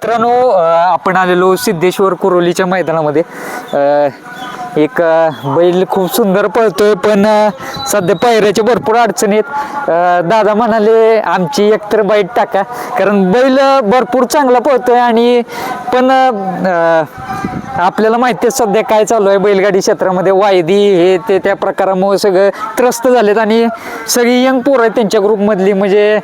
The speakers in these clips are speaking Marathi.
मित्रांनो आपण आलेलो सिद्धेश्वर कुरोलीच्या मैदानामध्ये एक बैल खूप सुंदर पळतोय पण सध्या पायऱ्याच्या भरपूर अडचणी आहेत। दादा म्हणाले आमची एकतर बाईट टाका कारण बैल भरपूर चांगला पळतोय आणि पण आपल्याला माहिती आहे सध्या काय चालू आहे बैलगाडी क्षेत्रामध्ये वायदी हे ते त्या प्रकारामुळे सगळं त्रस्त झालेत आणि सगळी यंग पोरं आहेत त्यांच्या ग्रुपमधली म्हणजे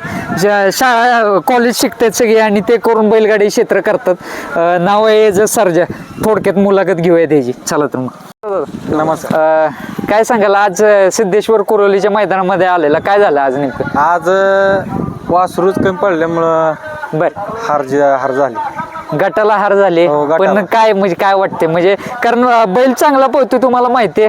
शाळा कॉलेज शिकतात सगळे आणि ते करून बैलगाडी क्षेत्र करतात। नाव आहे जर सर्जा थोडक्यात मुलाखत घेऊया त्याची चला तर मग नमस्कार। काय सांगाल आज सिद्धेश्वर कुरोलीच्या मैदानामध्ये आलेला काय झालं आज नेमकं? आज वासरूच कमी पडल्यामुळं बर हार झाली। गटाला हार झाले हो, गटाला. पण काय म्हणजे काय वाटते म्हणजे कारण बैल चांगला पळतोय तुम्हाला माहितीये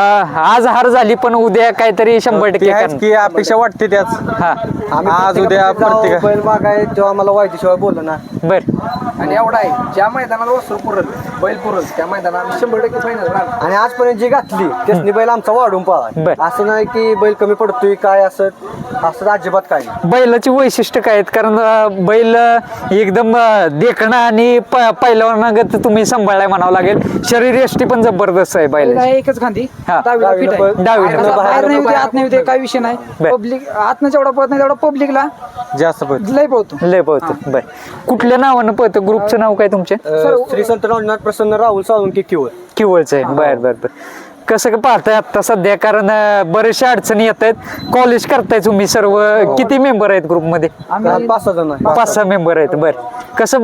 आज हार झाली पण उद्या काहीतरी 100% करणार. की अपेक्षा वाटते त्याच हा आज उद्या प्रत्येक बैल मागाय तेव्हा मला वाईटीशिवाय बोललं ना बर आणि एवढा आहे ज्या मैदानाला वसूल पुरल बैल पुरल त्या मैदानात 100% फायनल आणि आजपर्यंत जी घातली त्यासनी बैल आमचा वाढून बर. पळा असं नाही की बैल कमी पडतोय काय असं अजिबात काय नाही। बैलाची वैशिष्ट्य काय आहेत कारण बैल एकदम देखणं आणि पहिल्यावर तुम्ही सांभाळलाय म्हणावं लागेल शरीर यष्टी पण जबरदस्त आहे बैल एकच खांदी हा. डावीला फिट आहे. डावीला. बाहेर नाही होते आत नाही होते काय विषय नाही बर. पब्लिक आतनं जेवढा पळत नाही तेवढा पब्लिकला जास्त पडते। लय पळतो लय पळतो बर कुठल्या नावानं पळतं ग्रुपचं नाव काय तुमचे श्री संत नाथ प्रसन्न राहुल साळुंके किवळ किवळचं आहे बर बर बर कसं काय पाहताय आता सध्या कारण बरेचशा अडचणी येत आहेत कॉलेज करताय तुम्ही सर्व किती मेंबर आहेत ग्रुपमध्ये? आम्ही 5-6 जण आहे। 5-6 मेंबर आहेत बर कसं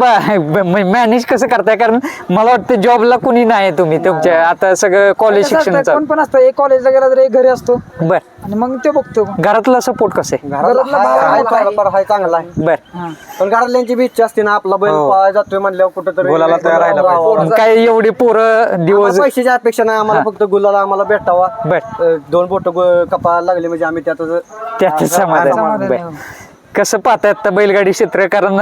मॅनेज कसं करताय कारण मला वाटतं जॉबला कुणी नाही तुम्ही तुमच्या आता सगळं कॉलेज कसं शिक्षण असतं, कोण चालू पण असतं एक कॉलेजला गेला तर एक घरी असतो बर आणि मग ते बघतो घरातला सपोर्ट कसं आहे? घरातला भाव हाय मोठा आहे. थोडाफार हाय चांगला आहे बर हा. पण घरातल्यांची बी इच्छा असते ना आपला बैल हो. पळायला जातोय म्हणल्यावर कुठेतरी गुलाला तयार राहायला पाहिजे. मग काय एवढे पोरं दिवस पैशाची अपेक्षा नाही आम्हाला फक्त गुलाला आम्हाला भेटावा बर 2 बोट कपाळाला लागले म्हणजे आम्ही त्याच समाधान समाधान बर आहे. कसं पाहताय आता बैलगाडी क्षेत्र कारण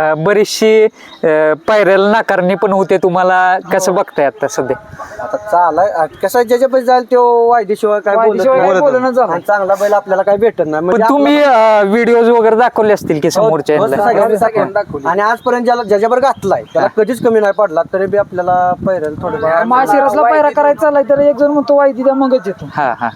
बरीचशी पायऱ्याला नाकारणी पण होते तुम्हाला कसं बघताय आता सध्या? आता चालाय कसं ज्याच्या पैसे जाईल तो वायदेशिवाय काय बोलत वायदेशिवाय नाही. काय बोलणं झालं. आणि चांगला बैल आपल्याला काय भेटत नाही पण म्हणजे तुम्ही व्हिडिओज वगैरे दाखवले असतील की समोरच्या हो, ह्याला? सगळ्यांनी दाखवली. आणि आजपर्यंत ज्याच्यावर घातलाय त्याला कधीच कमी नाही पडला तरी बी आपल्याला पैरेल थोडं माशिरसला पायरा करायचा चाललाय तर एक जण म्हणतो वायदी द्या मगच येतो हा हा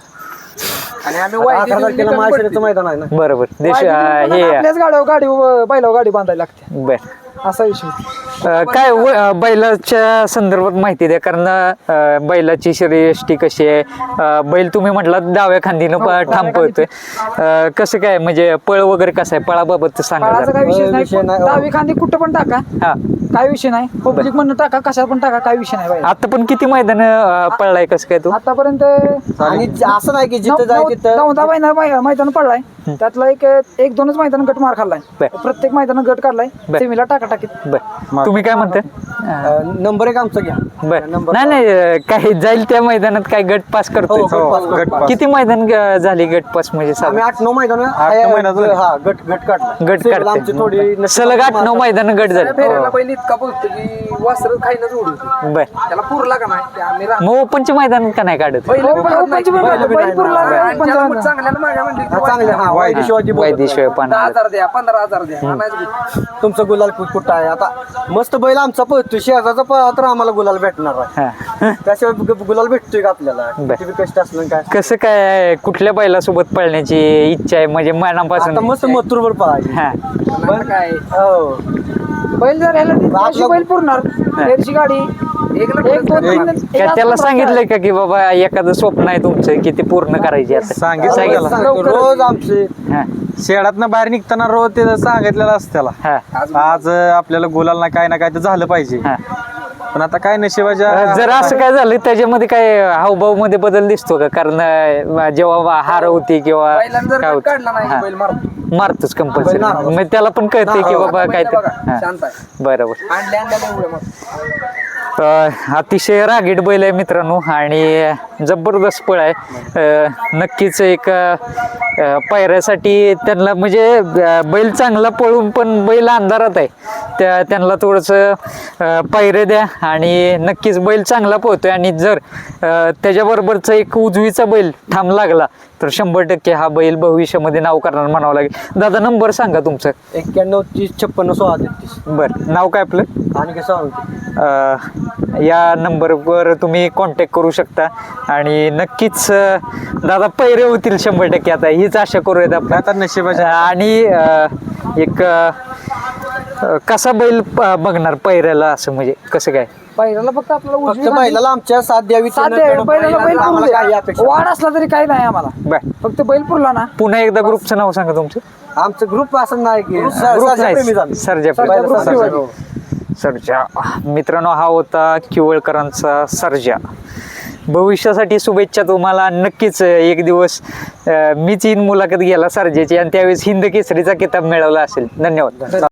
आणि आम्ही 11 तारखेला माहेश्वराचं मैदान आहे ना बरोबर देश वायदी देऊन हे पण आपल्याच गाडी बैलावर गाडी बांधायला लागते बर असा विषय काय बैलाच्या संदर्भात माहिती द्या कारण बैलाची शरीरयष्टी कशी आहे बैल तुम्ही म्हटला डाव्या खांदीनं ठाम पळतोय कसं काय म्हणजे पळ वगैरे कसं आहे पळाबाबत सांगा काळाचा जरा. काय विषय विषय नाही नाही. डावी खांदी कुठं पण टाका हा काय विषय नाही पब्लिक म्हणून टाका कशात पण टाका काय विषय नाही बाई आता पण किती मैदान पळलाय कसं काय तू? आतापर्यंत आणि असं नाही की जिथं जाय तिथं 9 महिना मैदान पडलाय त्यातला एक 2च मैदान गट मार खाल्लाय बर. प्रत्येक मैदानात गट काढलाय बर. सेमीला टाका टाकीत बर तुम्ही काय म्हणताय? नंबर 1 आमचा घ्या बर नंबर नाही नाही काही जाईल त्या मैदानात काय गट पास करतोय हो, गट पास, गट पास. किती मैदान झाली गट पास म्हणजे आम्ही साधारण? 8-9 मैदान 8-9 मैदान झाली. हा गट काढला गट सेमीला आमची थोडी काढते सलग 8-9 मैदान गट झाले फेऱ्याला पहिले इतका बोलतो की वासर खाईनच उडवतो बर त्याला पुरला का नाही ते आम्ही मग ओपनचे मैदान का नाही काढत? चांगल्याला मागा म्हणली हा वायदेशिवाय वैदिशिवाय पाना 10,000 द्या 15,000 द्या आणायचं तुमचं गुलाल कुठं आहे आता मस्त बैल आमचा पळतोय शेजारचा पळा तर आम्हाला गुलाल भेटणार आहे हा त्याशिवाय गुलाल भेटतोय का आपल्याला बर. किती बी कष्ट असलं काय कसं काय कुठल्या बैलासोबत पळण्याची इच्छा आहे म्हणजे मनापासून? आता मस्त मथुरवर पळायची हा पण काय हो बैल जर ह्याला दिली, बैल पुरणार फेरची गाडी एक 2-3 काय त्याला सांगितलंय का की बाबा एखादं स्वप्न आहे तुमचं की ते पूर्ण करायचे आता? सांगितलं त्याला. रोज आमचे हा शेडातनं बाहेर निघताना रोज ते सांगितलेलं असतं त्याला हा आज आपल्याला गुलाल ना काय ना काय तर झालं पाहिजे हा पण आता काय नशिबाच्या जर असं काय झालं त्याच्यामध्ये काय हावभाव मध्ये बदल दिसतो का कारण जेव्हा हार होती किंवा काय होतं? हा. मारतोच कंपल्सरी मग त्याला पण कळते की बाबा काय बरोबर अतिशय रागीट बैल आहे मित्रांनो आणि जबरदस्त पळ आहे नक्कीच एक पायऱ्यासाठी त्यांना म्हणजे बैल चांगला पळून पण बैल अंधारात आहे त्यांना थोडंसं पायऱ्या द्या आणि नक्कीच बैल चांगला पळतोय आणि जर त्याच्याबरोबरचा एक उजवीचा बैल ठाम लागला तर 100% हा बैल भविष्यामध्ये नाव करणार म्हणावं लागेल. दादा नंबर सांगा तुमचं. 91 30 56 16 33 बरं नाव काय आपलं? आणि कसं सांगते या नंबरवर तुम्ही कॉन्टॅक्ट करू शकता आणि नक्कीच दादा पैरे होतील 100%. आता हीच आशा करूयात आपण. आता नशिबाच्या आणि एक कसा बैल बघणार पैऱ्याला असं म्हणजे कसं काय? पहिल्याला फक्त आपल्याला फक्त उजवी बैलाला आमच्या साथ द्यावी साथ द्यावी. बैलाला बैल पुरू आम्हाला काही द्या. अपेक्षा वाढ असला तरी काही नाही आम्हाला, बर फक्त बैल पुरला ना. पुन्हा एकदा ग्रुपचं नाव सांगा तुमचं. आमचं ग्रुप असं नाही की ग्रुप प्रेमीच नाही आम्ही. सर्जा सर्जा. सर्जा. मित्रांनो हा होता किवळकरांचा सर्जा. भविष्यासाठी शुभेच्छा तुम्हाला. नक्कीच एक दिवस मीच येईन मुलाखत घ्यायला सर्जाची आणि त्यावेळेस हिंद केसरीचा किताब मिळवला असेल. धन्यवाद.